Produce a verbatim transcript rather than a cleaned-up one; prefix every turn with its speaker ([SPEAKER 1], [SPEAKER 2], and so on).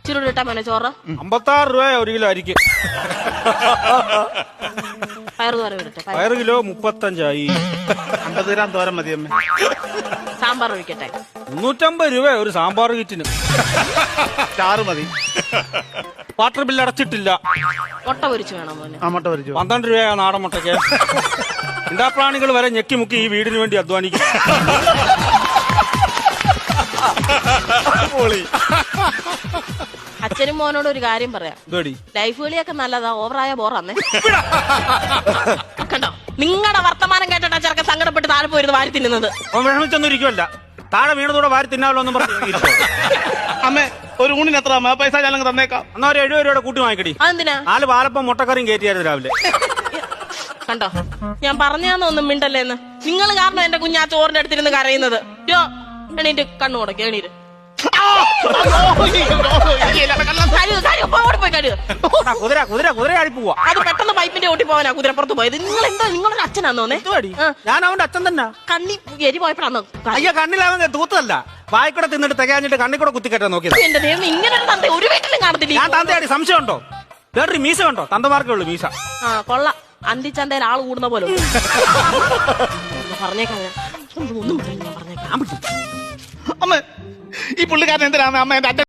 [SPEAKER 1] ഇച്ചിരി ഇട്ടാ മോനെ ചോറ്.
[SPEAKER 2] അമ്പത്താറ് രൂപ ഒരു കിലോ അരിക്ക്.
[SPEAKER 1] പയറ് തോര ഇടട്ടെ.
[SPEAKER 2] പയറ് കിലോ മുപ്പത്തഞ്ചായി.
[SPEAKER 3] അമ്പത് ഗ്രാം തോരൻ മതി അമ്മ.
[SPEAKER 1] സാമ്പാർ ഒഴിക്കട്ടെ.
[SPEAKER 2] മുന്നൂറ്റമ്പത് രൂപ ഒരു സാമ്പാർ കിറ്റിന്.
[SPEAKER 3] ചാറ് മതി.
[SPEAKER 2] വാട്ടർ ബില്ല് അടച്ചിട്ടില്ല.
[SPEAKER 1] മുട്ട പൊരിച്ചു വേണം മോനെ.
[SPEAKER 3] ആ മുട്ട പൊരിച്ചു.
[SPEAKER 2] പന്ത്രണ്ട് രൂപ നാടൻ മുട്ടയ്ക്ക്. ഇണ്ടാപ്രാണികൾ വരെ ഞെക്കി മുക്കി ഈ വീടിന് വേണ്ടി അധ്വാനിക്കും.
[SPEAKER 1] അച്ഛനും മോനോട് ഒരു കാര്യം പറയാം.
[SPEAKER 2] ഇതോടി
[SPEAKER 1] ലൈഫ് കളിയൊക്കെ നല്ലതാ, ഓവറായ ബോറാന്നേ. കണ്ടോ, നിങ്ങളുടെ വർത്തമാനം കേട്ടിട്ടാ ചെറുക്കൻ സങ്കടപ്പെട്ട് താഴെ പോയിരുന്നു വാരി തിന്നുന്നത്.
[SPEAKER 2] അവൻ വിഷമിച്ചൊന്നും ഇരിക്കുമല്ല, താഴെ വീണതോടെ വാരി തിന്നാലോ എന്നും പറഞ്ഞു.
[SPEAKER 3] അമ്മ ഒരു ഊണിന് എത്ര അമ്മ? പൈസ ഞാൻ തന്നേക്കാം.
[SPEAKER 2] എന്നാ ഒരു എഴുപത് രൂപയുടെ കൂട്ടി വാങ്ങിക്കടി.
[SPEAKER 1] അതെന്തിനാ?
[SPEAKER 2] നാല് പാലപ്പം മുട്ടക്കറിയും കയറ്റിയായിരുന്നു രാവിലെ.
[SPEAKER 1] കണ്ടോ, ഞാൻ പറഞ്ഞാന്നൊന്നും മിണ്ടല്ലേന്ന്. നിങ്ങൾ കാരണം എന്റെ കുഞ്ഞാ ചോറിന്റെ അടുത്തിരുന്ന് കരയുന്നത്. യോ എണീറ്റ് കണ്ണു കൊടുക്ക, എണീറ്റ്
[SPEAKER 2] കുതിര കുതിര കുതിര ആടി പോവാ.
[SPEAKER 1] അത് പെട്ടെന്ന് പൈപ്പിന്റെ ഓട്ടി പോവാനാ കുതിരപ്പുറത്ത് പോയത്. നിങ്ങൾ എന്താ നിങ്ങളൊരു അച്ഛനാന്നോന്നേ?
[SPEAKER 2] ഞാൻ അവന്റെ അച്ഛൻ തന്നെ.
[SPEAKER 1] കണ്ണി എരി പോയപ്പോഴാന്നോ?
[SPEAKER 2] അയ്യ കണ്ണിലാവൻ തൂത്തല്ല, വായിക്കൂടെ തിന്നിട്ട് തികഞ്ഞിട്ട് കണ്ണിക്കൂടെ കുത്തിക്കറ്റാൻ നോക്കിയത്.
[SPEAKER 1] എന്റെ ദൈവം, ഇങ്ങനെ ഒരു തന്ത ഒരു വീട്ടിലും കാണത്തില്ല.
[SPEAKER 2] ഞാൻ തന്തയാടി, സംശയം ഉണ്ടോ? വേറൊരു മീസ കണ്ടോ? തന്തമാർക്കേ ഉള്ളൂ മീസ.
[SPEAKER 1] ആ കൊള്ള, അന്തിച്ചന്തയിൽ ആള് കൂടുന്ന പോലെ പറഞ്ഞേക്കാം. ഒന്നും പറഞ്ഞേക്കാം.
[SPEAKER 3] അമ്മ ഈ പുള്ളിക്കാരൻ എന്തിനാണ് അമ്മ എന്റെ